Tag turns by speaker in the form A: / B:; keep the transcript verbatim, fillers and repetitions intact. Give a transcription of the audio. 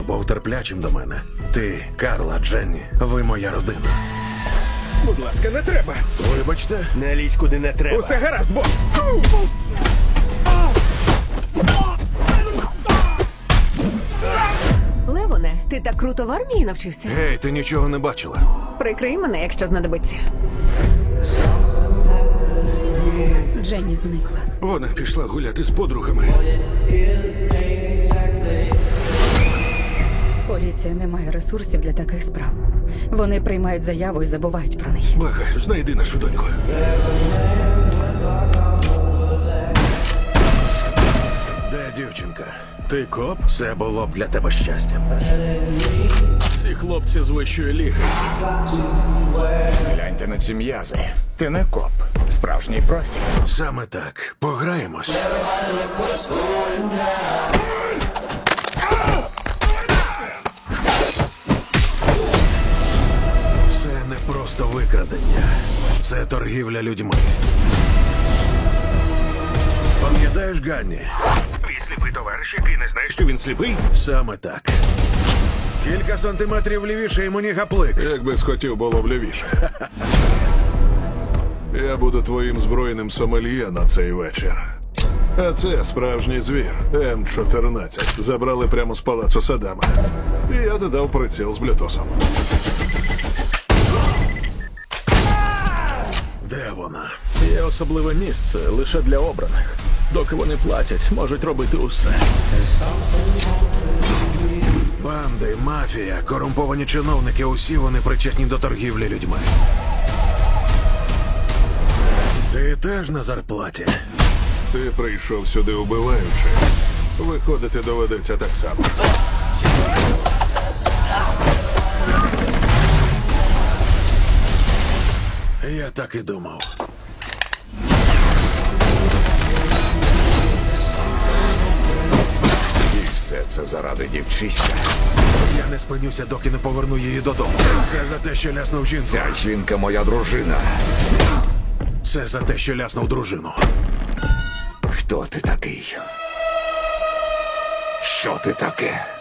A: Був терплячим до мене. Ти, Карла, Дженні, ви моя родина.
B: Будь ласка, не треба.
A: Вибачте,
C: Не лізь куди не треба.
B: Усе гаразд, бос.
D: Левоне, ти так круто в армії навчився?
A: гей, ти нічого не бачила.
D: Прикрий мене, якщо знадобиться.
E: Дженні зникла.
A: Вона пішла гуляти з подругами.
E: Поліція не має ресурсів для таких справ. Вони приймають заяву і забувають про неї.
A: Благаю, знайди нашу доньку. Де дівчинка?
B: Ти коп?
A: Це було б для тебе щастям.
B: Ці хлопці з вищої ліги.
C: Гляньте на ці м'язи. Ти не коп. Справжній профі.
A: Саме так. Пограємось. Це не просто викрадення. Це торгівля людьми. Пам'ятаєш, Ганні? Твій сліпий товариш, який не знає, що він сліпий? Саме так. Кілька сантиметрів лівіше і мені гаплик.
F: Якби схотів, було б лівіше. Я буду твоїм збройним сомельє на цей вечір. А це справжній звір. М чотирнадцять. Забрали прямо з палацу Саддама. І я додав приціл з блютусом.
A: Де вона?
B: Є особливе місце лише для обраних. Доки вони платять, можуть робити усе.
A: Банди, мафія, корумповані чиновники – усі вони причетні до торгівлі людьми. Ти теж на зарплаті?
F: Ти прийшов сюди убиваючи. Виходити доведеться так само.
A: Я так і думав.
C: І все це заради дівчиська.
A: Я не спинюся, доки не поверну її додому. Це за те, що ляснув жінку.
C: Ця жінка моя дружина.
A: Це за те, що ляснув дружину.
C: Хто ти такий? Що ти таке?